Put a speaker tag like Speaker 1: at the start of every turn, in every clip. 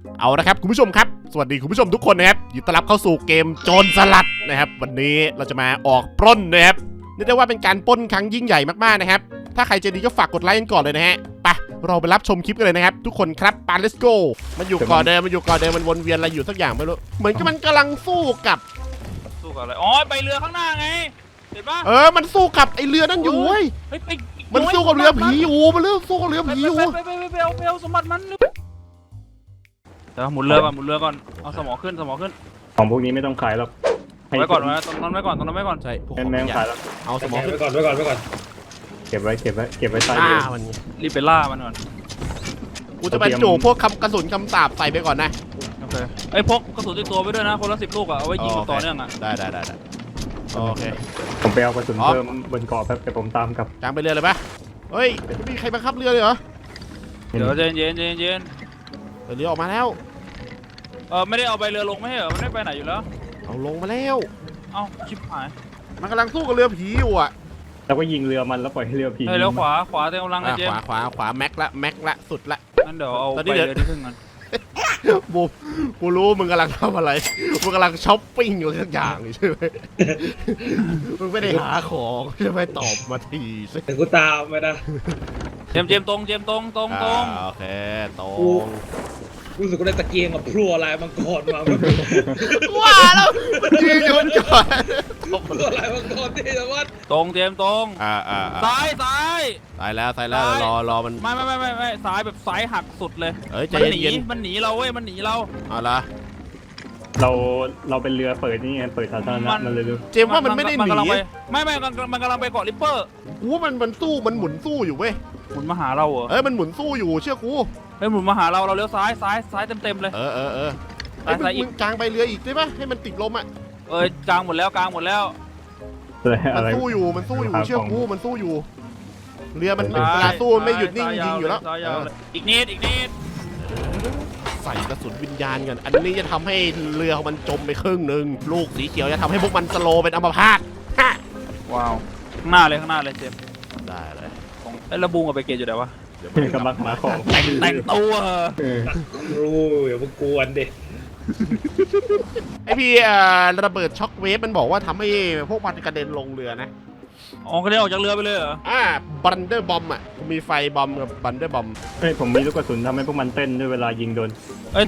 Speaker 1: เอาละครับคุณผู้ชมครับสวัสดีคุณผู้ชมทุกคนนะครับยินดีต้อนรับเข้าสู่เกมโจรสลัดนะครับวันนี้เราจะมาออกปล้นนะครับเรียกได้ว่าเป็นการปล้นครั้งยิ่งใหญ่มากๆนะครับถ้าใครจะดีก็ฝากกดไลค์กันก่อนเลยนะฮะไปเราไปรับชมคลิปกันเลยนะครับทุกคนครับปา let's go มันอยู่ก่อนเดิมมันวนเวียนอะไรอยู่สักอย่างไม่รู้เหมือนกับมันกำลังสู้กับ
Speaker 2: อะไรอ๋อไปเรือข้างหน้าไงเห็นปะ
Speaker 1: มันสู้กับไอเรือนั่นอยู่เว้ยมันสู้กับเรือผีอยู่มันเรื่องสู้กับเรือผีอยู่
Speaker 2: ไปเอาสมบัติมันเดี๋ยวหมุนเรือก่อนเอาสมอขึ้น
Speaker 3: ของพวกนี้ไม่ต้องขายหรอก
Speaker 2: ไว้ก่อนตรงนั้นไว้ก่อน
Speaker 1: ใช่พวก
Speaker 3: แม่งขายแล้ว
Speaker 1: เอาสมองขึ้น
Speaker 4: ไว้ก่อน
Speaker 3: เก็บไว้ใต้
Speaker 1: มัน
Speaker 2: รีบไปล่ามันก่อน
Speaker 1: กูจะบรรจุพวกกระสุนคำสาปใส่ไปก่อนนะ
Speaker 2: โอเคไอ้พกกระสุนติดตัวไปด้วยนะคนละ10 ลูกอ่ะเอาไว้ยิงต่อเนื่องอ่ะ
Speaker 1: ได้โอเค
Speaker 3: ผมไปเอากระสุนเพิ่มบนเกาะแป๊บแต่ผมตามกับ
Speaker 1: กลางไปเรือเลยปะเฮ้ยมีใครบังคับเรือเลยเหรอ
Speaker 2: เดี๋ยวเย็น
Speaker 1: เรือออกมาแล้ว
Speaker 2: ไม่ได้เอาใบเรือลงไม่ใช่เหรอมันไม่ไปไหนอยู่แล้ว
Speaker 1: เอาลงมาแล้ว
Speaker 2: เอาชิบหาย
Speaker 1: มันกำลังสู้กับเรือผีอยู่อ่ะ
Speaker 3: แล้วก็ยิงเรือมันแล้วปล่อยให้เรือผี
Speaker 2: แล้วขวาเต็มกำลังเลยเจม
Speaker 1: ขวาแม็กละสุดละ
Speaker 2: งั้นเดี๋ยวเอาใบเรือที่ครึ่งกัน
Speaker 1: บูกูรู้มึงกำลังทำอะไรมึงกำลังช้อปปิ้งอยู่ทุกอย่างใช่ไหมมึงไม่ได้หาของใช่ไหมตอบมาทีสิ
Speaker 4: แต่กูตามไปนะ
Speaker 2: เจมตรง
Speaker 1: โอเคตรง
Speaker 4: รู้สึกว่าได้ตะเกียงกับพลัวลายมังกรมา
Speaker 1: ว้าแล้วมันยืนอยู่บนก่อน
Speaker 4: พลัวลายมังกรที่จังหวัด
Speaker 2: ตรงเจมตรงซ้าย
Speaker 1: ตายแล้วรอมัน
Speaker 2: ไม่ซ้ายแบบซ้ายหักสุดเลยมันหนีเราเว้ยมันหนีเรา
Speaker 1: เอาละ
Speaker 3: เราเป็นเรือเปิดนี่ไงเปิดสาธารณะมันเลยดู
Speaker 1: เจมว่ามันไม่ได้หนี
Speaker 2: ไม่มันกำลังไปเกาะริปเปอร์
Speaker 1: มันสู้มันหมุนสู้อยู่เว้ย
Speaker 2: หมุนมาหาเราเหรอ
Speaker 1: มันหมุนสู้อยู่เชื่อกู
Speaker 2: หมุนมาหาเราเลี้ยวซ้ายเต็มเลย
Speaker 1: ซ้ายอีกกลางไปเรืออีกได้ปะให้มันติดลมอ่ะ
Speaker 2: กลางหมดแล้ว
Speaker 1: มันสู้อยู่เชื่อกูมันสู้อยู่เรือมันเวลาสู้ไม่หยุดนิ่งยิงอยู่แล้ว
Speaker 2: อีกนิด
Speaker 1: ใส่กระสุนวิญญาณกันอันนี้จะทำให้เรือมันจมไปครึ่งหนึ่งลูกสีเขียวจะทำให้พวกมันสโลเป็นอัมพาต
Speaker 2: ว้าวข้างหน้าเลยเจม
Speaker 1: ได้เลย
Speaker 2: แล้วบูงกับไปเกตอยู่ไหนวะ
Speaker 3: กำลังหาของ
Speaker 2: แต่งตัว
Speaker 4: รู้อย่าเพิ่งกวนดิ
Speaker 1: ไอพี่ระเบิดช็อคเวฟมันบอกว่าทำให้พวกมันกระเด็นลงเรือนะ
Speaker 2: กระเด็นออกจากเรือไปเลยเหรอ
Speaker 1: บันเดอร์บอมมีไฟบอมกับบันเดอร์บอม
Speaker 3: ผมมีลูกกระสุนทำให้พวกมันเต้นด้วยเวลายิงโดน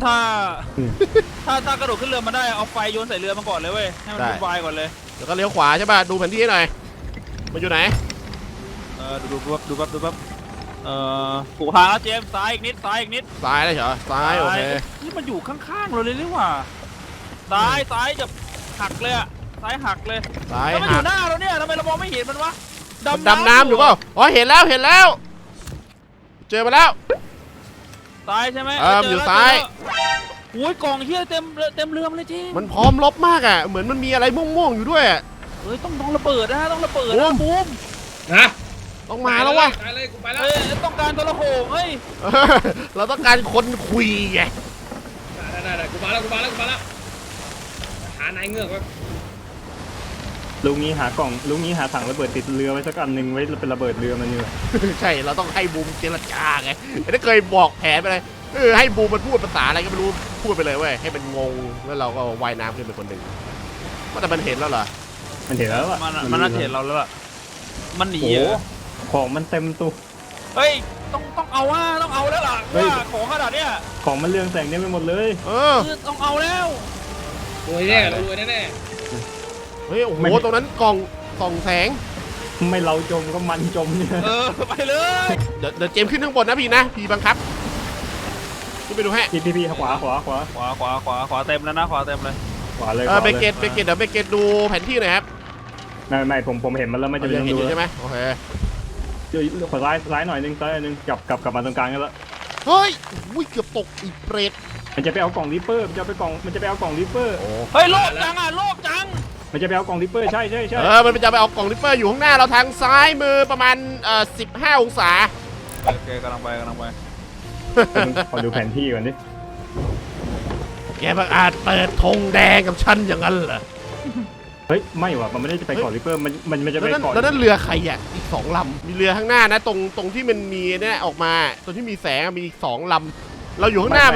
Speaker 2: ถ้ากระโดดขึ้นเรือมาได้เอาไฟโยนใส่เรือมาก่อนเลยเว้ยให้มันเป็นไฟก่อนเลย
Speaker 1: แล้วก็เลี้ยวขวาใช่ป่ะดูแผนที่ให้หน่อยมันอยู่ไหน
Speaker 2: ดูปั๊บกูหาแล้วเจมซ้ายอีกนิดซ้าย
Speaker 1: เลยเหรอซ้ายโอเค
Speaker 2: นี่มันอยู่ข้างๆเราเลยหรือว่าซ้ายจะหักเลยซ้ายหักเลยแล้วมันอยู่หน้าเราเนี่ยทำไมเรามองไม่เห็นมันวะ
Speaker 1: ดำน้ำอยู่เปล่าเห็นแล้วเจอมาแล้ว
Speaker 2: ซ้ายใช่ไหม
Speaker 1: อยู่ซ้าย
Speaker 2: โอ้ยกล่องเฮียเต็มเรือเลยจริง
Speaker 1: มันพร้อมรบมากเหมือนมันมีอะไรม่วงๆอยู่ด้วย
Speaker 2: ต้องระเบิดนะบูม
Speaker 4: นะ
Speaker 1: ต้องมาแล้ววะ
Speaker 2: ต้องการโทรโขง
Speaker 1: เราต้องการคนคุยไง
Speaker 4: ได้กูมาแล้วหานายเงือกไว้
Speaker 3: ลุงนี้หากล่องลุงนี้หาถังระเบิดติดเรือไว้สักอันหนึ่งไว้เป็นระเบิดเรือมันนี่
Speaker 1: ใช่เราต้องให้บูมเจรจาไงไม่เคยบอกแผนไปเลยให้บูมมันพูดภาษาอะไรก็ไม่รู้พูดไปเลยเว้ยให้มันงงแล้วเราก็ว่ายน้ำขึ้นเป็นคนหนึ่งแต่มันเห็นแล้วเหรอ
Speaker 3: มันเห็นแล้ว
Speaker 2: มันน่าเห็นเราแล้วล่ะมันหนี
Speaker 3: ของมันเต็มตู้
Speaker 2: ต้องเอาแล้วล่ะว่าของขนาดเนี้ย
Speaker 3: ของมันเรืองแสงเนี่ยไปหมดเลย
Speaker 2: ต้องเอาแล้ว
Speaker 4: รวยแน่
Speaker 1: โอ้โหตรงนั้นกล่องส่องแสง
Speaker 3: ไม่เราจมก็มันจมเนี่ย
Speaker 2: ไปเลย
Speaker 1: เดี๋ยวเจมขึ้นข้างบนนะพี่นะพี่บังคับขึ้นไปดูให้
Speaker 3: พี่ขว
Speaker 2: าเต็มแล้วนะขวาเต็มเลย
Speaker 3: ขวาเลย
Speaker 1: เบเกตเดี๋ยวเบเกตดูแผนที่หน่อยครับ
Speaker 3: ไม่ผมเห็นมันแล้วไม่จะ
Speaker 1: เห็นอยู่ใช่ไหมโอเค
Speaker 3: ขวาซ้ายหน่อยนึงกลับมาตรงกลางกันแล้ว
Speaker 1: เฮ้ยเกือบตกอีเปรต
Speaker 3: มันจะไปเอากล่องริปเปอร์มันจะไปเอากล่องริปเปอร์
Speaker 2: โลภจัง
Speaker 3: มันจะไปเอากล่องริปเปอร์ใช่
Speaker 1: มันจะไปเอากล่องริปเปอร์อยู่ข้างหน้าเราทางซ้ายมือประมาณ15 องศา
Speaker 2: โอเคกำลังไป
Speaker 3: ขอดูแผนที่ก่อนดิ
Speaker 1: แกบังอาจเปิดธงแดงกับฉันอย่างนั้นเหรอ
Speaker 3: ไม่ว่ะมันไม่ได้จะไปเกาะริปเปอร์มันจะไปเกาะ
Speaker 1: แล้วนั่นเรือใครอีก2 ลำมีเรือข้างหน้านะตรงที่มันมีเนี่ยออกมาตรงที่มีแสงมีอีก2 ลำเราอยู่ข้างหน้ามาแล้ว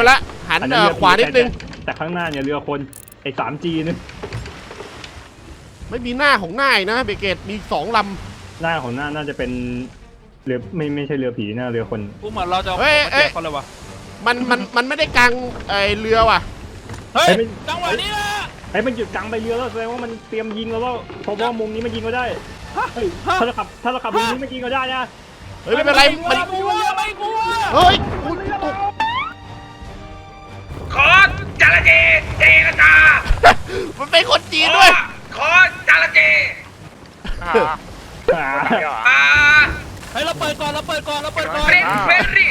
Speaker 1: หัน
Speaker 3: อันนั้นเรือ
Speaker 1: ขวานิดนึง
Speaker 3: แต่ข้างหน้าเนี่ยเรือคนไอ้ 3G นึง
Speaker 1: ไม่มีหน้าของหน้าอีกนะเบเกตมีสองล
Speaker 3: หน้าของหน้าน่าจะเป็นเรือไม่ใช่เรือผีนะเรือคน
Speaker 2: กูเหมือนเราจะเอาของมาแจกเขาเลยวะ
Speaker 1: ำมันไม่ได้กางไอเรือว่ะ
Speaker 2: เฮ้ยจังหวะนี้นะ
Speaker 3: ไอ้มันหยุดกลางไปเรือแล้วแสดงว่ามันเตรียมยิงแล้วเพราะว่ามุมนี้มันยิงก็ได้เฮ้ยถ้าเราขับมุมนี้มันยิงก็ได้นะ
Speaker 1: เฮ้ยไม่เป็นไรมัน
Speaker 2: ไม่กลัวไม่กลัว
Speaker 1: เฮ้ยกูตก
Speaker 5: ขอจระเจเจรจา
Speaker 1: มันเป็นคนจีนด้วย
Speaker 5: ขอจระเจ
Speaker 3: อ่า
Speaker 2: เฮ้ยเราเปิดก่อนเราเปิดก่อน
Speaker 5: เฟรรี่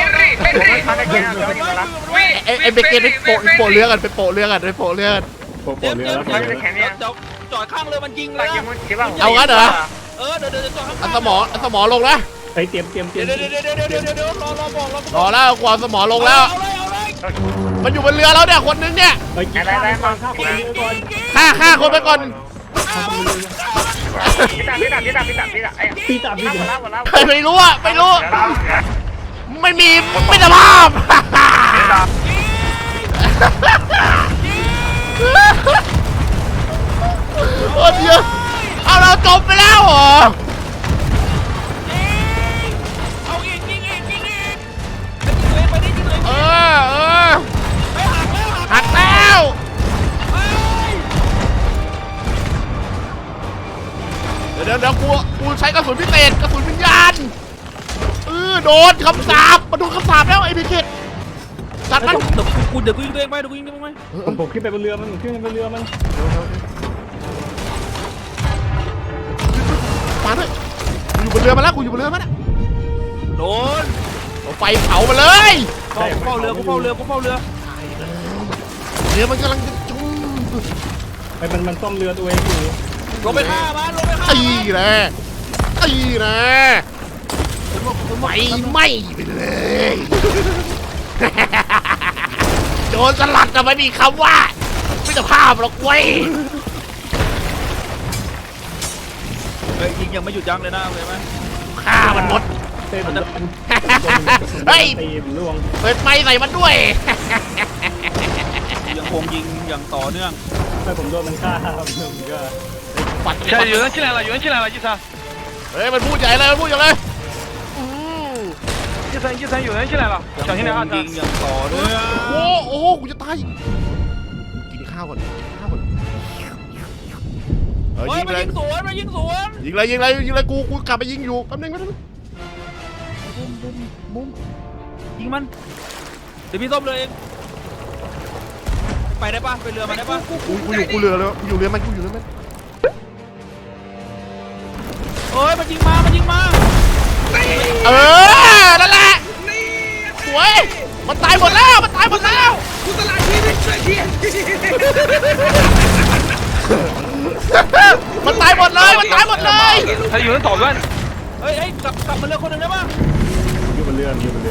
Speaker 1: ไอเบเกตไปโปะเรือกันไปโปะเรือกัน
Speaker 3: โปะ
Speaker 2: เดี๋ยว
Speaker 3: เรือแล้ว
Speaker 2: จอดข้างเรือมันยิงเลย
Speaker 1: เอางั้นเหรอ
Speaker 2: เดี๋ยวจอดข้าง
Speaker 1: เอาสมอลงนะ
Speaker 3: ไอ้เตรียม
Speaker 2: เดี๋ยวรอบอก
Speaker 1: รอแล้วกว่าสมอลงแล้ว
Speaker 2: เอาเลย
Speaker 1: มันอยู่บนเรือแล้วเนี่ยคนนึงเนี่ย
Speaker 3: เฮ้ยฆ่าคนก่อนฆ่าคนเรือก่อน
Speaker 1: ฆ่าคนไปก่อน
Speaker 5: พี่ตา
Speaker 1: ไม่รู้อะไม่รู้ ไม่มีมิตรภาพโอ้เยอะเอาเราจบไปแล้วเหรอ
Speaker 2: เอาอีกยิงไปดิยิงเลย
Speaker 1: เออ
Speaker 2: ไปหักแล้ว
Speaker 1: หักแล้วเดี๋ยวกูใช้กระสุนพิเศษกระสุนวิญญาณโดนคำสาปมาโดนคำสาปแล้วไอ้พิเศษจัดมัน
Speaker 2: เดี๋ยวกูยิงตัวเองไป
Speaker 3: ผมขึ้นไปบนเรือมัน
Speaker 1: มาด้วยกูอยู่บนเรือมาแล้วกูอยู่บนเรือมาแล้ว
Speaker 2: โดน
Speaker 1: เอาไฟเผามาเลย
Speaker 2: กูเฝ้าเรือ
Speaker 1: เรือมันกำลังจะจุ่ม
Speaker 3: ไอ้มันซ่อมเรือตัวเองอยู่
Speaker 2: ลงไปฆ่ามัน
Speaker 1: ตีนะไฟไหม้ไปเลยโดนสลัดแต่ไม่มีคำว่ามิตรภาพหรอกเว้ย
Speaker 2: ยิงยังไม่หยุดยั้งเลยนะเลยไหม
Speaker 1: ฆ่ามันหมด
Speaker 3: เต้น
Speaker 1: เฮ้ย
Speaker 3: ตีมันล่วง
Speaker 1: เปิดไฟใส่มันด้วย
Speaker 2: ยังคงยิงอย่างต่อเนื่อง
Speaker 3: ให้ผมโดนมันฆ่าครับผมก็
Speaker 1: ปัด
Speaker 5: 现在有人进来了，有人进来了，一三
Speaker 1: เฮ้ยมันพูดใหญ่เลยมันพูดใหญ่เลย
Speaker 5: 一三有人进来了，小心点啊！
Speaker 2: ยิงอย่างต่อเนื่อง
Speaker 1: โอ้โหกูจะตายกินข้าวก่อน
Speaker 2: เฮ้ย
Speaker 1: ยิง
Speaker 2: มา
Speaker 1: เลย
Speaker 2: ยิงสวนมายิงสวน
Speaker 1: ยิงเลยกูกลับไปยิงอยู่แป๊บนึงมุม
Speaker 2: ยิงมันเดี๋ยวพี่ส้มเลยเองไปได้ปะไปเรือมาได้ปะ
Speaker 1: กูเรือเลยกูอยู่เรือมัน
Speaker 2: เฮ้ยมันยิงมา
Speaker 1: นั่นแหละสวยมันตายหมดแล้ว
Speaker 5: กูตลาดชีวิตช่วยที
Speaker 1: มันตายหมดเลย
Speaker 5: 他有人捣乱，
Speaker 2: เฮ้ยกลับมาเรือคนหนึ่งได้ปะ
Speaker 3: อยู่บนเรือ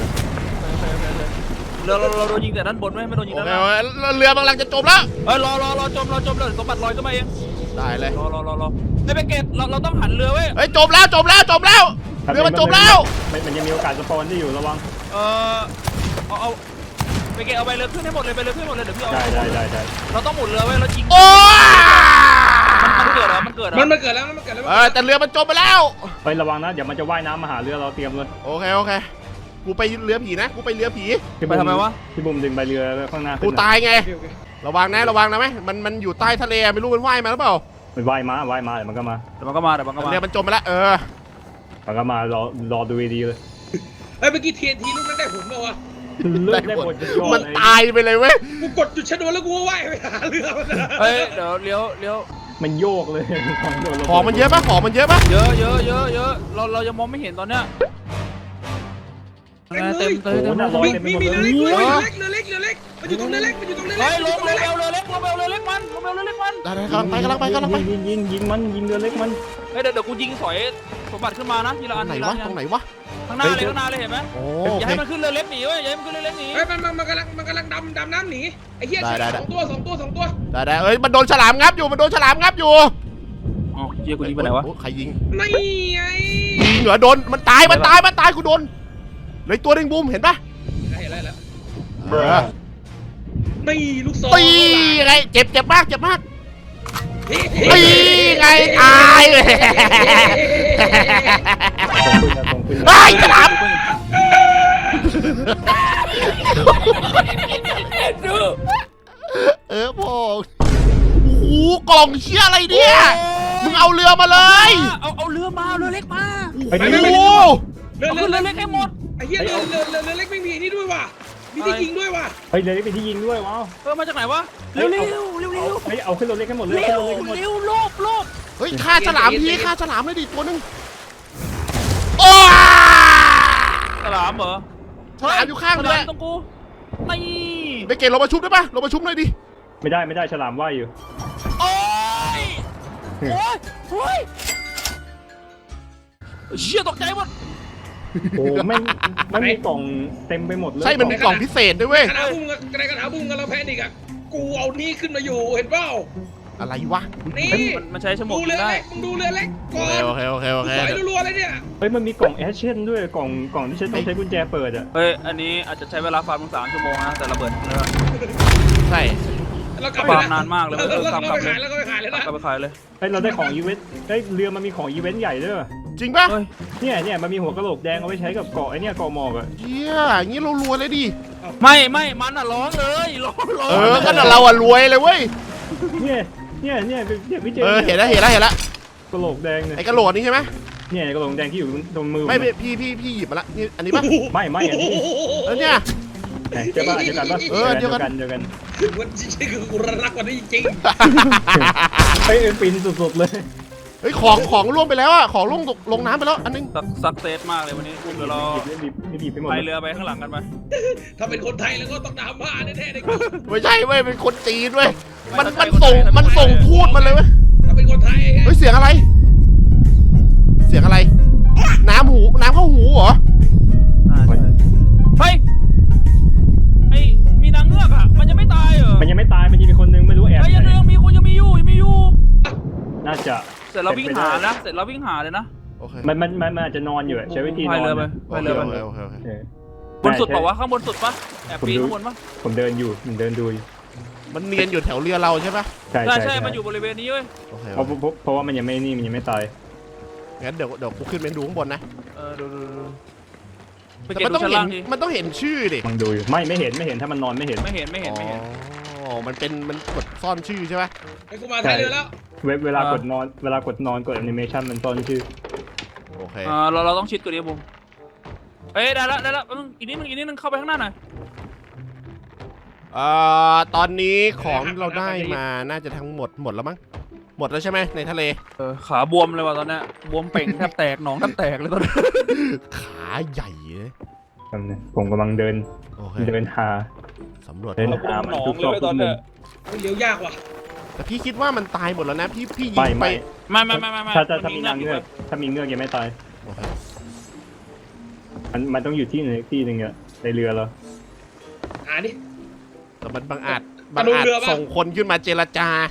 Speaker 2: เราโดนยิงแต่ด้านบนไม่โดนยิง
Speaker 1: โอ
Speaker 2: ด้าน
Speaker 1: เค
Speaker 2: ล่าง
Speaker 1: เรือกำลังจะจมแล้ว
Speaker 2: เฮ้ยรอจมเลยสมบัติลอยขึ้นมาเอง
Speaker 1: ได้เลย
Speaker 2: รอไอ้ไปเกตเราต้องหันเรือเว้ย
Speaker 1: เฮ้ยจมแล้วเรือมันจมแล้ว
Speaker 3: มันยังมีโอกาสสปอนได้อยู่ระวัง
Speaker 2: เอาไปเกตเอาไปเรือขึ้นให้หมดเลยเดี๋ยวพี่เอา
Speaker 3: ได้
Speaker 2: เราต้องหมุนเรือเว้ยแล้วยิง
Speaker 1: โอ้
Speaker 2: มันเกิดเหรอ
Speaker 5: มันเกิดแล้วมันเกิดแล้ว
Speaker 1: แต่เรือมันจมไปแล้ว
Speaker 3: เฮ้ยระวังนะเดี๋ยวมันจะว่ายน้ำมาหาเรือเราเตรียมเลย
Speaker 1: โอเคกูไปเรือผีนะกูไปเรือผี
Speaker 2: ไปทำไมวะ
Speaker 3: พี่บุ๋มดึงใบเรือข้างหน้า
Speaker 1: กูตายไงระวังนะไหมมันอยู่ใต้ทะเลไม่รู้มันว่ายมาหรือเปล่า
Speaker 3: มันว่ายมาเดี๋ยวมันก็มา
Speaker 2: เดี๋ยวมันก็มา
Speaker 1: เรือมันจมไปแล้ว
Speaker 3: มันก็มารอดูดีเลย
Speaker 5: เฮ้ยเมื่อกี้เทียนทีลูกนั้นได้ผลป่าวะ
Speaker 3: เลือกได้หมด
Speaker 1: มันตายไปเลยเว้ย
Speaker 5: กูกดจุดชนวนแล้วกูก็ว่ายไปหาเรือมัน
Speaker 2: เฮ้ยเดี๋ยวเลี้ยว
Speaker 3: มันโยกเลย
Speaker 1: ของมันเยอะปะ
Speaker 2: เยอะเรายังมองไม่เห็นตอนเนี้ยเต็ม
Speaker 5: มีเรือเล็กมันอยู่ตรงเรือเล็กมันอยู่ตรงเรือเล็ก
Speaker 2: ลงเรือเล็กมัน
Speaker 1: ได้กำลังไป
Speaker 3: ยิงเรือเล็กมัน
Speaker 2: เฮ้ยเดี๋ยวกูยิงสอยสมบัติขึ้นมานะทีละอัน
Speaker 1: ตรงไหนวะ
Speaker 2: ข้างหน้าเลยเห็นไหม
Speaker 1: โอ้
Speaker 2: อย่าให้มันขึ้นเรือเล็กหนีเว้ยอย่าให้มันขึ้นเรือเล็กหนี
Speaker 5: เฮ้ยมันกำลังดำน้ำหนีไอ้เหี้ยสองตัว
Speaker 1: ได้เอ้ยมันโดนฉลามงับอยู่
Speaker 2: อ๋อเจี๊ยกูยิงไปไหนวะ
Speaker 1: ใครยิง
Speaker 5: ไม่ไง
Speaker 1: ยิงเหรอโดนมันตายกูโดนเลยตัวนึงบูมเห็นปะ
Speaker 5: เห็นแล้วตีลูกศร
Speaker 1: ตีไงเจ็บมากเจ็บมาก
Speaker 5: เฮ้
Speaker 1: ตีไงตายเลย
Speaker 3: ส่งปืน
Speaker 1: ไอ้ฉลาม พ่อโอ้โหกล่องเชี่ยอะไรเนี่ยมึงเอาเรือมาเลย
Speaker 2: เอาเรือมาเรือเล็กมา
Speaker 3: ไป
Speaker 1: โอ้
Speaker 3: นี่
Speaker 1: โห
Speaker 5: เรือ
Speaker 2: เอาเรือเล็กให้หมด
Speaker 5: ไอ้เหี้ยเรือเล็กไม่มีนี่ด้วยว่ะมีที่ยิงด้วยว่ะ
Speaker 3: เฮ้ยเรือนี้เป็นที่ยิงด้วยว้าว
Speaker 2: มาจากไหนวะเร็วเร็วเร็วเร็ว
Speaker 3: เฮ้ยเอาขึ้นรถเล็กให้หมดเลย
Speaker 2: เร็
Speaker 3: ขึ้น
Speaker 2: ว
Speaker 3: รถเล็กให้หมด
Speaker 2: เร็วโลบ
Speaker 1: เฮ้ยฆ่าฉลามพี่ฆ่าฉลามเลยดิตัวนึงโอ้
Speaker 2: ฉลามเหรอ
Speaker 1: ฉลามอยู่ข้าง
Speaker 2: ฉ
Speaker 1: เล
Speaker 2: ลาย มตรงกูนี่
Speaker 1: ไปเกณฑ์เรามาชุบได้ปะเรามาชุบหน่อยดิ
Speaker 3: ไม่ได้ฉลามว่ายอยู่
Speaker 2: โอ้ยโอ้ยเชี่ยตกใจหมด
Speaker 3: โอ้ไม่มีกล่องเต็มไปหมดเลย
Speaker 1: ใช่มันมีกล่องพิเศษด้วยเว้ย
Speaker 5: กระถาบุ้งกระถาบุ้งกันแล้วแพนิกอ่ะกูเอานี่ขึ้นมาอยู่เห็นเปล่า
Speaker 1: อะไรวะ
Speaker 5: นี่
Speaker 2: มันใช้ชั่วโมง
Speaker 5: ดูเรือ
Speaker 2: ได้
Speaker 5: เล็กมึงดูเรือเล็กก่
Speaker 1: โอ
Speaker 5: อน
Speaker 1: เคโอเคโอเค
Speaker 5: สอยรัวๆเลยเนี่ย
Speaker 3: เฮ้ยมันมีกล่องแอชเชนด้วยกล่องที่ใช้ต้องใช้กุญแจเปิดอ่ะ
Speaker 2: เฮ้ยอันนี้อาจจะใช้เวลาฟาร์ม3 ชั่วโมงนะแต่ระเบิด
Speaker 1: ใช่
Speaker 5: เรากลับ
Speaker 2: ฟาร์มนานมากเลย
Speaker 5: เรา
Speaker 2: กลับ
Speaker 5: ไปขายแล้วก็ไปขายเลยนะ
Speaker 2: กลับไปขายเลย
Speaker 3: เฮ้ยเราได้ของอีเวนต์เฮ้ยเรือมันมีของอีเวนต์ใหญ่ด้วย
Speaker 1: จริงปะ
Speaker 2: เฮ้ย
Speaker 3: เนี่ยมันมีหัวกะโหลกแดงเอาไว้ใช้กับเกาะไอ้เนี่ยเกาะหมอกอ่ะ
Speaker 1: เฮียอย่างงี้เรารวยเลยดิ
Speaker 2: ไม่มันอ่ะร้องเลยร้อง
Speaker 1: ก็เราอะรวยเลยเว้ย
Speaker 3: เนี่ยพี่เจ
Speaker 1: เห็นแล้ว
Speaker 3: กะโหลกแดงเนี่ย
Speaker 1: ไอ้กระโหลกนี่ใช่ไหม
Speaker 3: เนี่ยกะโหลกแดงที่อยู่ตรงมือ
Speaker 1: ไม่พี่หยิบมาละนี่อันนี้ปะ
Speaker 3: ไม่อันนี้
Speaker 1: แล้วเนี่ย
Speaker 3: เดี๋ยวกันปะ
Speaker 1: เดียวกัน
Speaker 3: เดียวกัน
Speaker 5: วันจริงๆคือกูรักกว่านี้จริง
Speaker 3: เฮ้ยปินสุดๆเลย
Speaker 1: เฮ้ยของล่วงไปแล้วอะของล่วงลงน้ำไปแล้วอันนึง
Speaker 2: สักเซสมากเลยวันนี้เดี๋ยวเรา
Speaker 3: บีบไปหมด
Speaker 2: ไปเรือไปข้างหลังกันไป
Speaker 5: ถ้าเป็นคนไทยแล้วก็ต้องดราม่าแน่ๆเลย
Speaker 1: ไม่ใช่เว้ยเป็นคนจีนเว้ยมันส่งพูดมาเลยเว้ย
Speaker 5: ถ้าเป็นคนไทย
Speaker 1: เฮ้ยเสียงอะไร เสียงอะไร น้ำเข้าหูเหรอ
Speaker 2: เฮ้ยไอ้มีนางเงือกอ่ะมันยังไม่ตายเหรอ
Speaker 3: มันยังไม่ตายมันยังมีคนนึงไม่รู้แอบ
Speaker 2: ไอ้ยังมีคนยังมีอยู่
Speaker 3: น่าจะ
Speaker 2: เสร็จแล้ววิ่งหาเลยนะ
Speaker 1: โอเค
Speaker 3: มันอาจจะนอนอยู่ใช้วิธีน
Speaker 2: พาย
Speaker 3: อน
Speaker 2: เรือไปพายเรือไป
Speaker 1: โอเค
Speaker 2: บนสุดเปล่าวะข้างบนสุดปะแอบปีนข้างบนปะ
Speaker 3: ผมเดินอยู่ผมเดินดูอยู่
Speaker 1: มันเนียนอยู่แถวเรือเราใช่ปะ
Speaker 2: ใช่มันอยู่บริเวณนี้เว้ย
Speaker 1: โอเค
Speaker 3: เพราะว่ามันยังไม่ตาย
Speaker 1: งั้นเดี๋ยวกูขึ้นไปดูข้างบนนะ
Speaker 2: ดูไป
Speaker 1: แต่
Speaker 2: เก็บ
Speaker 1: มัน
Speaker 2: ดู
Speaker 1: ต้อง
Speaker 2: ชั้น
Speaker 1: เห็น
Speaker 2: ล่างดิ
Speaker 1: มันต้องเห็นชื่อดิ
Speaker 3: มังดูอยู่ไม่เห็นถ้ามันนอนไม่เห็น
Speaker 2: ไม่เห็น
Speaker 1: อ๋อมันกดซ่อนชื่อใช่ปะ
Speaker 5: ไอ้กูมาไทยเรือแล้ว
Speaker 3: เวลากดนอนกดแอนิเมชันมันซ่อนชื่อ
Speaker 1: โอเค
Speaker 2: เราต้องชิดกว่านี้บุ้มเอ้ยได้แล้วอีกนิดนึงเข้าไปข้างหน้าหน่อย
Speaker 1: ตอนนี้ของที่เราได้มาน่าจะทั้งหมดแล้วมั้งหมดแล้วใช่ไหมในทะเล
Speaker 2: ขาบวมเลยว่ะตอนนี้บวมเป่งแทบแตกหนองแทบแตกเลยตอนนี้
Speaker 1: ขาใหญ่เลย
Speaker 3: ผมกำลังเดิน
Speaker 1: โอเค
Speaker 3: หา
Speaker 1: สำรวจ
Speaker 3: เดินหามันทุกซอกทุกมุม
Speaker 5: เลี้ยวยากว่ะ
Speaker 1: แต่พี่คิดว่ามันตายหมดแล้วนะพี่ยิงไป
Speaker 3: ไม่
Speaker 2: ไม่
Speaker 3: ถ้ามีนางเงือกถ้ามีเงือกยังไม่ตาย
Speaker 1: โอเค
Speaker 3: มันต้องอยู่ที่นึงอะในเรือเรา
Speaker 5: หาดิ
Speaker 1: แต่มันบางอาจ
Speaker 5: เรือปะ
Speaker 1: ส่งคนขึ้นมาเจรจา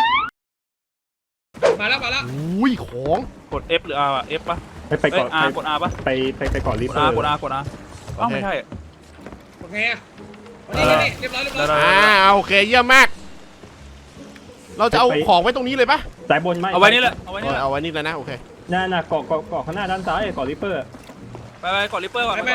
Speaker 5: มาแล้ว
Speaker 1: อุ้ยของ
Speaker 2: กด F หรือ R อ่ะ F ป่ะ
Speaker 3: ไปเกาะ
Speaker 2: กด R ป่ะ
Speaker 3: ไปเกาะลิฟ
Speaker 2: ก
Speaker 3: ต์
Speaker 2: ด R เอ้าไม่ใช่
Speaker 5: โอเคนี่เรียบร้อย
Speaker 1: โอเคเยี่ยมมาก เราจะเอาของไว้ตรงนี้เลยปะ
Speaker 3: สายบนไม่
Speaker 2: เอาไว้นี่แหละ
Speaker 1: เอาไว้นี่แล้วนะโอเค
Speaker 3: น่าเกาะข้างหน้าด้านซ้ายเกาะลิปเปอร์
Speaker 2: ไปกดริปเปอร์ก่อน
Speaker 5: ไป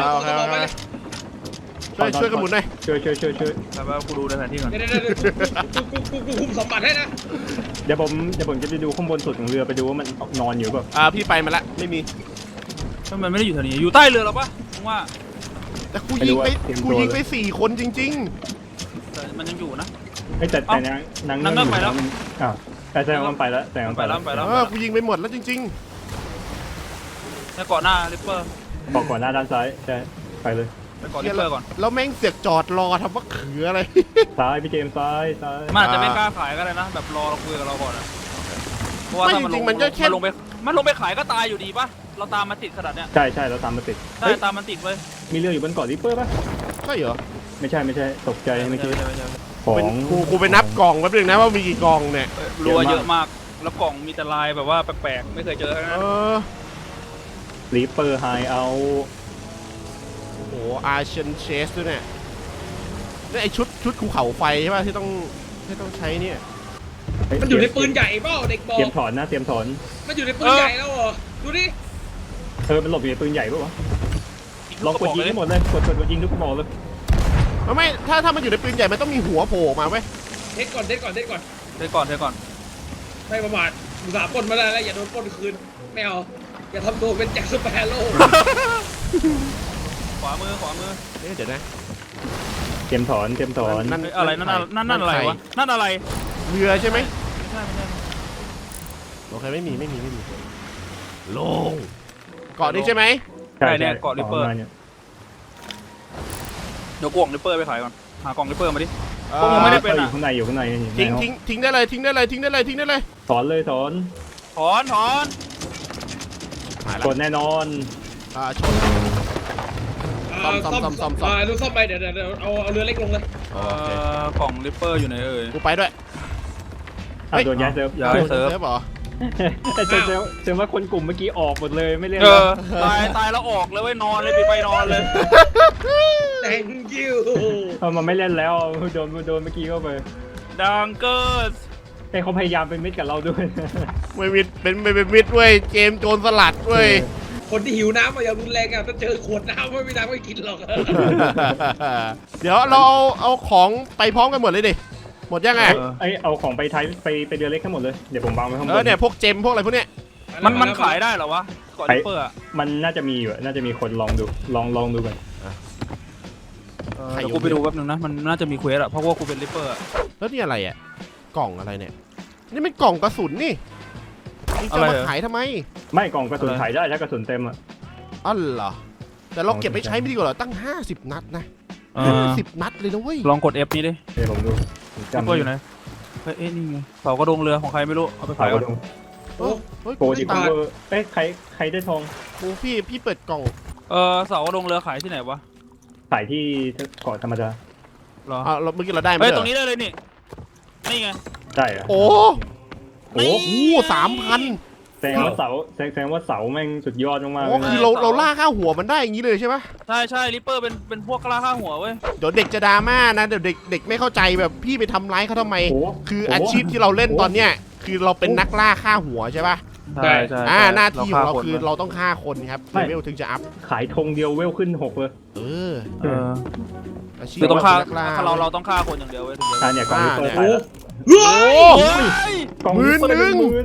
Speaker 1: ช่วยกันหมุนหน่อย
Speaker 3: ช่วย
Speaker 2: ไปกูดูในแผนที่ก่อน
Speaker 5: เดี๋ยวกูคุมสมบัติให้นะ
Speaker 3: เดี๋ยวผมจะไปดูข้างบนสุดของเรือไปดูว่ามันนอนอยู่แบบ
Speaker 1: พี่ไปมาละไม่มี
Speaker 2: มันไม่ได้อยู่แถวนี้อยู่ใต้เรือหรอปะผมว่า
Speaker 1: แต่กูยิงไป4 คนจริง
Speaker 2: มันยังอยู่นะ
Speaker 3: แต่นางเงือกไปแล้วอ้าวแต่มันไปแล้วแต่มันไปแล้ว
Speaker 1: กูยิงไปหมดแล้วจริง
Speaker 2: แล้วก่อนหน้าริปเปอร์
Speaker 3: ก่อนหน้าด้านซ้ายใช่ไปเลย
Speaker 2: ไปก่อนริปเปอร์ก่อน
Speaker 1: ๆแล้วแม่งเสียกจอดรอทำว่าเขืออะไร
Speaker 3: ซ้ายพี่เจมซ้าย
Speaker 2: มันอาจจะไม่กล้าขายก็ได้นะแบบรอเราคุยกับเราก่อนนะเพราะว่าถ้ามันลงไปขายก็ตายอยู่ดีปะเราตามมาติดขนาดเนี้ย
Speaker 3: ใช่เราตามมาติด
Speaker 2: ใช่ตามมันติดเว้ย
Speaker 3: มีเรืออยู่บนเกาะลิปเปอร์ป่ะ
Speaker 1: ใช่เหรอ
Speaker 3: ไม่ใช่ตกใจเมื่อกี้ของ
Speaker 1: กูไปนับกล่องแป๊บนึงนะว่ามีกี่กล่องเนี่ย
Speaker 2: รัวเยอะมากแล้วกล่องมีแต่ลายแบบว่าแปลกๆไม่เคยเจอนะ
Speaker 3: ลิปเปอร์ไฮเอา
Speaker 1: โอ้โหอาร์เชนเชสด้วยเนี่ยไอชุดภูเขาไฟใช่ป่ะที่ต้องใช้เนี่ย
Speaker 4: มันอยู่ในปืนใหญ่เปล่าเด็กบอก
Speaker 3: เตรียมถอนนะเตรียมถอน
Speaker 4: มันอยู่ในปืนใหญ่แล้วเหรอดูดิ
Speaker 3: มันหลบอยู่ในปืนใหญ่ปะวะลองกดยิงให้หมดเลยกดยิงทุกกระบอกเลย
Speaker 1: ไม่ถ้ามันอยู่ในปืนใหญ่มันต้องมีหัวโผล่ออกมาเว้ย
Speaker 4: เทคก่อน
Speaker 2: เทก่อน
Speaker 4: ไม่ประมาทอุตส่าห์ปล้นมาได้แล้วอย่าโดนปล้นคืนไม่เอาอย่าทำตัวเป็นแจ็คสเปโร่
Speaker 2: ขวามือ
Speaker 1: เดี๋ยวนะ
Speaker 3: เตรียมถอน
Speaker 2: อะไรนั่นอะไรวะนั่นอะไร
Speaker 1: เรือใช่ไหม
Speaker 2: ไม่ใช่
Speaker 1: โอเคไม่มีลงเกาะนี้ใช่ไหม
Speaker 2: ใช่เนี่ยเกาะริปเปอร์เดี๋ยวกล่องริปเปอร์ไปขายก่อนหากล่องริปเปอร์มาดิ พวกมึงไม่ได้
Speaker 3: อยู่ข้างใน
Speaker 1: ทิ้งได้เลย
Speaker 3: ถอนเลยถอน
Speaker 2: ถอน
Speaker 1: หาย
Speaker 3: ก
Speaker 1: ละ
Speaker 3: ดแน่นอน
Speaker 1: ชน ซ่อม
Speaker 4: ดูซ่อมไปเดี๋ยวเอาเรือเล็กลงเลย
Speaker 2: กล่องริปเปอร์อยู่ไหนเอ่ย
Speaker 1: กูไปด้วย
Speaker 3: โดนย้ายเซิร์ฟ
Speaker 2: ย้ายเซิร์ฟ
Speaker 1: เหรอ
Speaker 3: เซิร์ฟว่าคนกลุ่มเมื่อกี้ออกหมดเลยไม่เล่น
Speaker 2: ตายแล้วออกเลยเว้ยนอนเลยไปนอนเลย
Speaker 4: thank you
Speaker 3: มันไม่เล่นแล้วโดนเมื่อกี้เข้าไป
Speaker 2: ดังเกิร์ส
Speaker 3: แต่เขาพยายามเป็นมิตรกับเราด้วย
Speaker 1: ไม่มิดเป็นมิดเว้ยเกมโจรสลัดเว้ย
Speaker 4: คนที่หิวน้ำมาอย่างรุนแรงอ่ะถ้าเจอขวดน้ำไม่มีน้ำไม่กินหรอก
Speaker 1: เดี๋ยวเราเอาของไปพร้อมกันหมดเลยดิหมดยังไง
Speaker 3: เอาของไปไปเรือเล็กทั้งหมดเลยเดี๋ยวผมวางไว้ข้างบน
Speaker 1: เนี่ยพวกเจมพวกอะไรพวกเนี้ย
Speaker 2: มันขายได้เหรอวะเกาะริปเปอร์อะ
Speaker 3: มันน่าจะมีอยู่น่าจะมีคนลองดูกัน
Speaker 2: เดี๋ยวกูไปดูแป๊บนึงนะมันน่าจะมีเควสอะเพราะว่ากูเป็นริปเปอร์
Speaker 1: แล้วนี่อะไรอ่ะกล่องอะไรเนี่ยนี่มันกล่องกระสุนนี่จะมาขายทำไม
Speaker 3: ไม่กล่องกระสุนขายได้ถ้ากระสุนเต็มอ่ะ
Speaker 1: อ๋อเหรอแต่เราเก็บไปใช้ไม่ดีกว่าเหรอตั้ง50 นัดนะ50 นัดเลยนะเว้ย
Speaker 2: ลองกด F นี้ดิ
Speaker 3: เดี๋ยวผมดู
Speaker 2: ริปเปอร์อยู่ไหนเฮ้ยนี่ไงเสากระดงเรือของใครไม่รู้เอาไป
Speaker 3: ขา
Speaker 2: ขาย ย
Speaker 3: ก
Speaker 2: ก่อ
Speaker 3: ระ
Speaker 2: น
Speaker 3: ดุม
Speaker 1: เฮ้ย
Speaker 3: โกดิคูเวอร์ใครได้ทอง
Speaker 1: กูพี่เปิดกล่อง
Speaker 2: เสากระดงเรือขายที่ไหนวะ
Speaker 3: ขายที่เกาะธรรมดา
Speaker 2: เหรอ
Speaker 1: เราเมื่อกี้เราได้ไหม
Speaker 2: เฮ้ยตรงนี้ได้เลยนี่ไง
Speaker 3: ได้เหรอ
Speaker 1: โอ้โห3,000
Speaker 3: แสดงว่าเสาแม่งสุดยอดมากๆ
Speaker 1: โอ้
Speaker 3: เลย
Speaker 1: คือ
Speaker 3: นะ
Speaker 1: เราล่าค่าหัวมันได้อย่างนี้เลยใช่ไหม
Speaker 2: ใช่ริปเปอร์เป็นพวกกล้าฆ่าหัวเว้ย
Speaker 1: เดี๋ยวเด็กจะดราม่านะเดี๋ยวเด็กไม่เข้าใจแบบพี่ไปทำร้ายเขาทำไม
Speaker 3: โอ้
Speaker 1: คืออาชีพที่เราเล่นตอนเนี้ยคือเราเป็นนักล่าฆ่าหัวใช่ป่ะ
Speaker 2: ใช่
Speaker 1: หน้าที่ของเราคือเราต้องฆ่าคนครับเลเวลถึงจะอัพ
Speaker 3: ขายธงเดียวเวลขึ้น6เลย
Speaker 1: อาชีพ
Speaker 2: คือต้องฆ่า
Speaker 1: นักล่า
Speaker 2: เราต้องฆ่าคนอย่างเดียวเว้ยถึงจะ
Speaker 3: เนี่ยกล่องริปเปอร์ขายแล้ว
Speaker 1: โอ้
Speaker 3: กล่องริปเปอร์เป็นหมื่น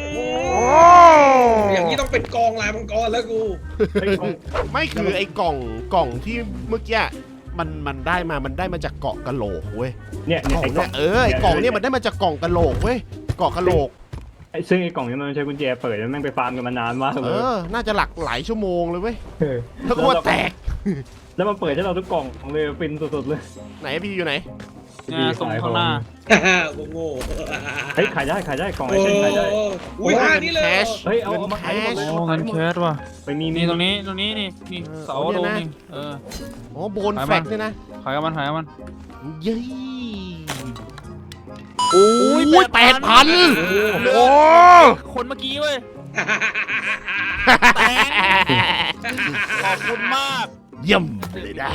Speaker 4: อย่างนี้ต้องเป็นกองลายมังกรแล้วกู
Speaker 1: ไม่คือไอ้กล่องที่เมื่อกี้มันได้มาจากเกาะกะโหลกเว้ย
Speaker 3: เนี่ย
Speaker 1: ไอ้กล่องไอ้กล่องเนี่ยมันได้มาจากกล่องกะโหลกเว้ยเกาะกะโหลก
Speaker 3: ซึ่งไอ้กล่องนี้มันใช้กุญแจเปิดแล้วแม่งไปฟาร์มกันมานานมากเลย
Speaker 1: น่าจะหลายชั่วโมงเลยเว้ยแล้วก็แตก
Speaker 3: แล้วมันเปิดให้เราทุกกล่องเลยฟินสุดๆเลย
Speaker 1: ไหนพี่อยู่ไหน
Speaker 2: ตรงข้างหน้า
Speaker 4: โง่
Speaker 3: เฮ้ยขายได้กล่องไอเช่นขายได้
Speaker 4: อุ้ยนี่เลย
Speaker 3: เฮ้ยเอามาขายหมดเลย
Speaker 2: โอ้เงินแคสว่ะ
Speaker 3: ไปมี
Speaker 2: นี่ตรงนี้นี่เสากระดงนี่
Speaker 1: อ๋อโบนแฟกเนี่ยนะ
Speaker 2: ขายกับมัน
Speaker 1: เย้โอ้ย8,000โอ้
Speaker 2: คนเมื่อกี้เว้ยขอบคุณมาก
Speaker 1: เยี่ยมเลยนะ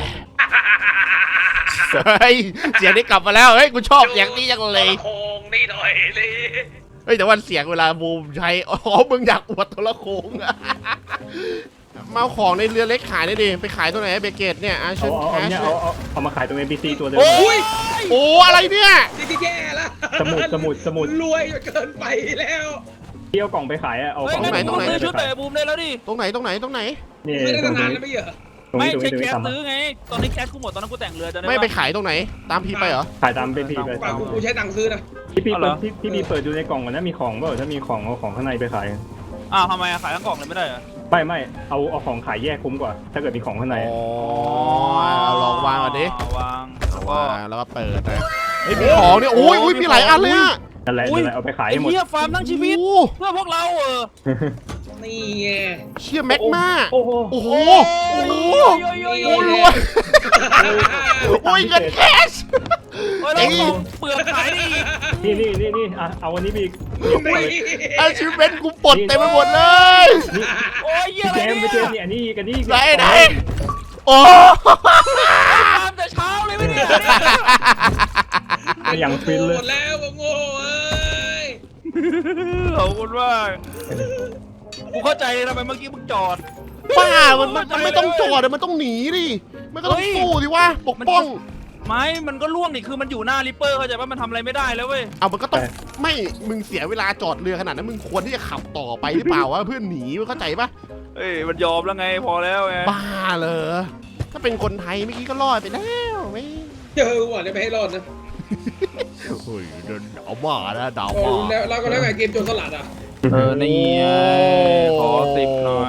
Speaker 1: เฮ้ยเสียงนี้กลับมาแล้วเฮ้ยกูชอบเสียงนี้จังเลย
Speaker 4: โคงนี่หน่อยเลย
Speaker 1: เฮ้ยแต่ว่าเสียงเวลาบูมใช้อ๋อมึงอยากอวดโทรโขงมาเอาของในเรือเล็กขายได้ดิไปขายตัวไหนเบเกตเนี่ยอาชุนแคช
Speaker 3: เอามาขายตรง NPC ตัวเดิม
Speaker 1: โอ้อะไรเนี่ย
Speaker 4: นี่แย่แล้ว
Speaker 3: สมุด
Speaker 4: รวยจนเกินไปแล้ว
Speaker 3: ที่เอากล่องไปขายอะเอา
Speaker 2: เฮ้ย
Speaker 3: ของ
Speaker 2: งั้น
Speaker 3: ไป
Speaker 2: มึงซื้อชุดเตะบูมได้แล้วดิ
Speaker 1: ตรงไหน
Speaker 3: นี่
Speaker 4: ไม่ได้
Speaker 3: ตรง
Speaker 4: นาน
Speaker 3: นี้
Speaker 4: แล้วไม่เหรอ
Speaker 3: ตรง
Speaker 2: ไม่
Speaker 3: นี้
Speaker 2: ใช่แคส
Speaker 3: ทำ
Speaker 2: ซื้อไงตอนนี้แคสกูหมดตอนนั้นกูแต่งเรือจะได้
Speaker 1: ไม่ไปขายตรงไหนตามพีไปเหรอ
Speaker 3: ขายตามเป็นพีไป
Speaker 4: กว่ากูใช้ตังค์ซื้อนะ
Speaker 3: พี่บีเปิดดูในกล่องก่อนนะมีของเปล่าถ้ามีของเอาของข้างในไปขาย
Speaker 2: อ้าวทำไมขายทั้งกล่องเลยไม่ได้เหรอ
Speaker 3: ไม่เอาของขายแยกคุ้มกว่า ถ้าเกิดมีของข้างใน
Speaker 1: อ๋อลองวางก่อนดิ
Speaker 2: วาง
Speaker 1: แล้วก็เปิดนะเฮ้ยมีของเนี่ยโอ้ยมีหลายอันเลยอะ
Speaker 3: นั่นแหละเอาไปขาย
Speaker 2: ไอ้
Speaker 3: ให้หมด
Speaker 2: เหี้ยฟาร์มทั้งชีวิตเพื่อพวกเรา
Speaker 4: นี่ไง
Speaker 1: เชี่ยแม็กมา
Speaker 3: โอ้โห
Speaker 1: โอ้โห
Speaker 2: โอ้
Speaker 1: โอ้รวยโอ้ยเงินแคช
Speaker 2: เราเปลือกขายดิ
Speaker 3: นี่เอาวันนี้บี
Speaker 1: อาชีพเป็นกูปลดเต็มไปหมดเลย
Speaker 2: โอ้ยเหี้ยอะไร
Speaker 3: เจม
Speaker 2: เนี่ย
Speaker 3: นี่อันนี้กันนี่
Speaker 1: ไหนโอ้
Speaker 2: ฟาร์มแต่เช้าเลยไม่ได้
Speaker 3: อย่างฟินเลย
Speaker 5: หมดแล้วโง่เอ้ย
Speaker 2: ขอบคุณมากกูเข้าใจเลยทำไมเมื่อกี้มึงจอด
Speaker 1: บ้ามันไม่ต้องจอดมันต้องหนีดิมันก็ต้องสู้ดิวะปกป้อง
Speaker 2: ไม่มันก็ล่วงนี่คือมันอยู่หน้าริปเปอร์เข้าใจว่ามันทำอะไรไม่ได้แล้วเว้ย
Speaker 1: เอามันก็ต้องไม่มึงเสียเวลาจอดเรือขนาดนั้นมึงควรที่จะขับต่อไปหรือเปล่าวะเพื่อนหนีเข้าใจปะ
Speaker 2: เอ้ยมันยอมแล้วไงพอแล้วไง
Speaker 1: บ้าเหรอถ้าเป็นคนไทยเมื่อกี้ก็รอดไปแล้วไม่
Speaker 5: เจอหวังจะไม่ให้รอดนะ
Speaker 1: เฮ้ยเดินเอามานะดาว
Speaker 5: โอ้
Speaker 1: มา
Speaker 5: แล้วเราก็แล้วไงเกมโจรสลัดอ่ะ
Speaker 2: นี่ไงขอ10หน่อย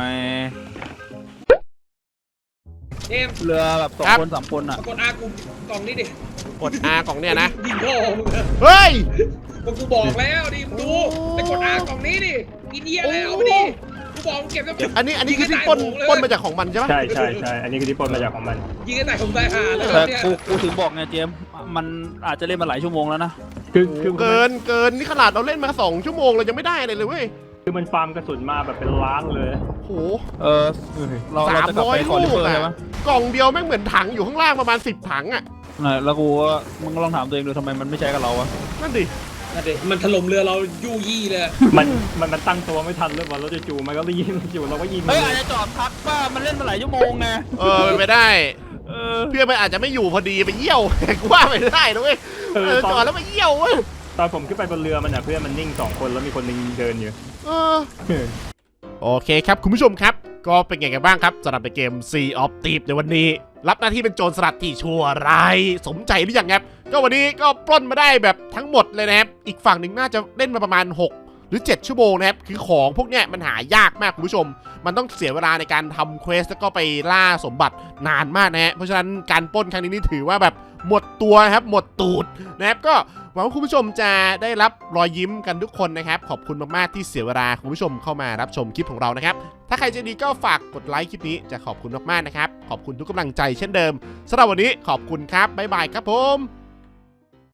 Speaker 5: เกม
Speaker 2: เรือแบบ2 คน 3 คนอ่ะ
Speaker 5: กดอากูกล่องนี้ดิ
Speaker 1: กด R กล่องเนี่ยนะ
Speaker 5: ยิงพ่อมึงอะ
Speaker 1: เฮ้ย
Speaker 5: ก็กูบอกแล้วดิมึงดูไปกดอากล่องนี้ดิกินเยี่ยแล้วเอาไปดิกูบอกมึงเก็บแล้ว
Speaker 1: อันนี้คือที่ปล้นมาจากของมันใช่ปะ
Speaker 3: ใช่อันนี้คือที่ปล้นมาจากของมัน
Speaker 5: ยิงกันแต่ผมตายห่าแล้ว
Speaker 2: แต่
Speaker 5: เนี่ย
Speaker 2: กูถึงบอกไงเจมส์มันอาจจะเล่นมาหลายชั่วโมงแล้วนะ
Speaker 3: คือ
Speaker 1: เกินนี่ขนาดเราเล่นมา2 ชั่วโมงเรายังไม่ได้เลยเว้ย
Speaker 3: คือมันฟาร์มกระสุนมาแบบเป็นล้านเลย
Speaker 1: โห
Speaker 2: เราจะกลับไปขอริปเปอร์ใช่ไหม
Speaker 1: กล่องเดียวแม่งเหมือนถังอยู่ข้างล่างประมาณ10 ถังอ่ะ
Speaker 2: แล้วกูก็มึงก็ลองถามตัวเองดูทำไมมันไม่ใช้กับเราวะ
Speaker 1: นั่นดิ
Speaker 5: นั่นดิมันถล่มเรือเรายู่ยี่เลย
Speaker 3: มันตั้งตัวไม่ทันเลยว่ารถจะจู่มันก็รีบจู่เราก็ยิง
Speaker 2: เฮ้ยอาจจะจอดพักว่ามันเล่นมาหลายชั่วโมงไง
Speaker 1: เป็นไปได้ เพื่อนมันอาจจะไม่อยู่พอดีไปเยี่ยว กูว่าไม่ได้นะเว้ยจอดแล้วไปเยี่ยวเว้ย
Speaker 3: ตอนผมขึ้นไปบนเรือมันเพื่อนมันนิ่ง2 คนแล้วมีคนนึงเดินอยู่
Speaker 1: โอเคครับคุณผู้ชมครับก็เป็นไงกันบ้างครับสำหรับในเกม Sea of Thieves ในวันนี้ รับหน้าที่เป็นโจรสลัดที่ชั่วร้ายสมใจหรือยังครับก็วันนี้ก็ปล้นมาได้แบบทั้งหมดเลยนะครับอีกฝั่งหนึ่งน่าจะเล่นมาประมาณ6 หรือ 7 ชั่วโมงนะครับคือของพวกเนี้ยมันหายากมากคุณผู้ชมมันต้องเสียเวลาในการทำเควสแล้วก็ไปล่าสมบัตินานมากนะฮะเพราะฉะนั้นการปล้นครั้งนี้นี่ถือว่าแบบหมดตัวครับหมดตูดนะครับก็หวังว่าคุณผู้ชมจะได้รับรอยยิ้มกันทุกคนนะครับขอบคุณมากๆที่เสียเวลาคุณผู้ชมเข้ามารับชมคลิปของเรานะครับถ้าใครใจดีก็ฝากกดไลค์คลิปนี้จะขอบคุณมากๆนะครับขอบคุณทุกกำลังใจเช่นเดิมสำหรับวันนี้ขอบคุณครับบ๊ายบายครับผม